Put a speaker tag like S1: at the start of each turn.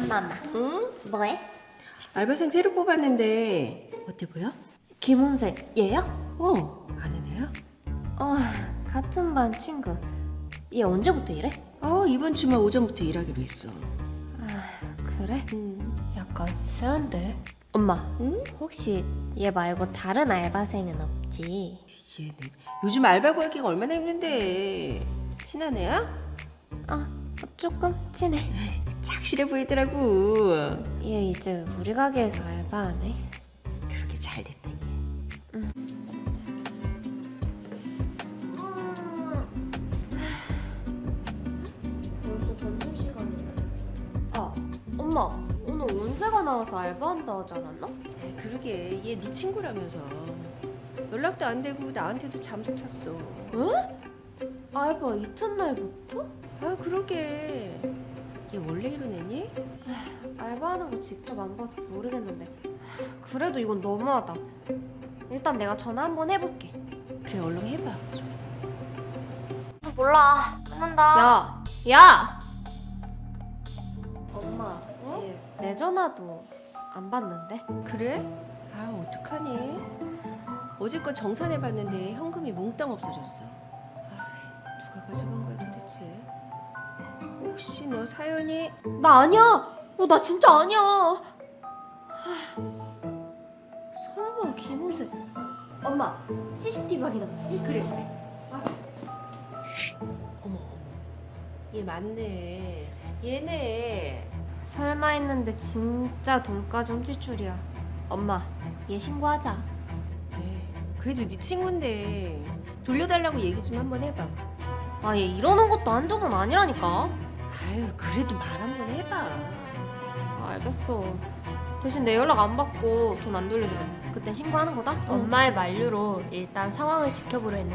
S1: 엄마.
S2: 응?
S1: 뭐해?
S2: 알바생 새로 뽑았는데 어때 보여?
S1: 김은생 얘야?
S2: 아는 애야?
S1: 같은 반 친구. 얘 언제부터 이래?
S2: 이번 주말 오전부터 일하기로 했어.
S1: 그래? 약간 세한데. 엄마,
S2: 응?
S1: 혹시 얘 말고 다른 알바생은 없지?
S2: 얘는 요즘 알바 구하기가 얼마나 힘든데. 친한 애야?
S1: 조금 친해.
S2: 착실해 보이더라고.
S1: 얘 이제 우리 가게에서 알바하네.
S2: 그렇게 잘 됐다 얘.
S1: 벌써 점심시간이네. 엄마, 오늘 온세가 나와서 알바한다 하지 않았나?
S2: 그러게 얘 네 친구라면서. 연락도 안 되고 나한테도 잠수 탔어.
S1: 왜? 알바 이튿날부터?
S2: 그러게. 얘 원래 이런 애니?
S1: 알바하는 거 직접 안 봐서 모르겠는데 그래도 이건 너무하다. 일단 내가 전화 한번 해볼게.
S2: 그래 얼른 해봐.
S3: 몰라. 끊는다.
S1: 야! 엄마, 얘 내 전화도 안 받는데?
S2: 그래? 어떡하니? 어제껏 정산해봤는데 현금이 몽땅 없어졌어. 누가 가져간 거야 도대체? 혹시 너 사연이?
S1: 나 아니야! 나 진짜 아니야! 설마 김은세. 엄마, CCTV 확인해보자. CCTV.
S2: 어머 얘 맞네. 얘네.
S1: 설마 했는데 진짜 돈까지 훔칠 줄이야. 엄마, 얘 신고하자.
S2: 그래도 네 친구인데 돌려달라고 얘기 좀 한번 해봐.
S1: 얘 이러는 것도 한두 번 아니라니까.
S2: 그래도 말 한번 해봐.
S1: 알겠어. 대신 내 연락 안 받고 돈 안 돌려주면 그때 신고하는 거다?
S3: 엄마의 만류로 일단 상황을 지켜보려 했는데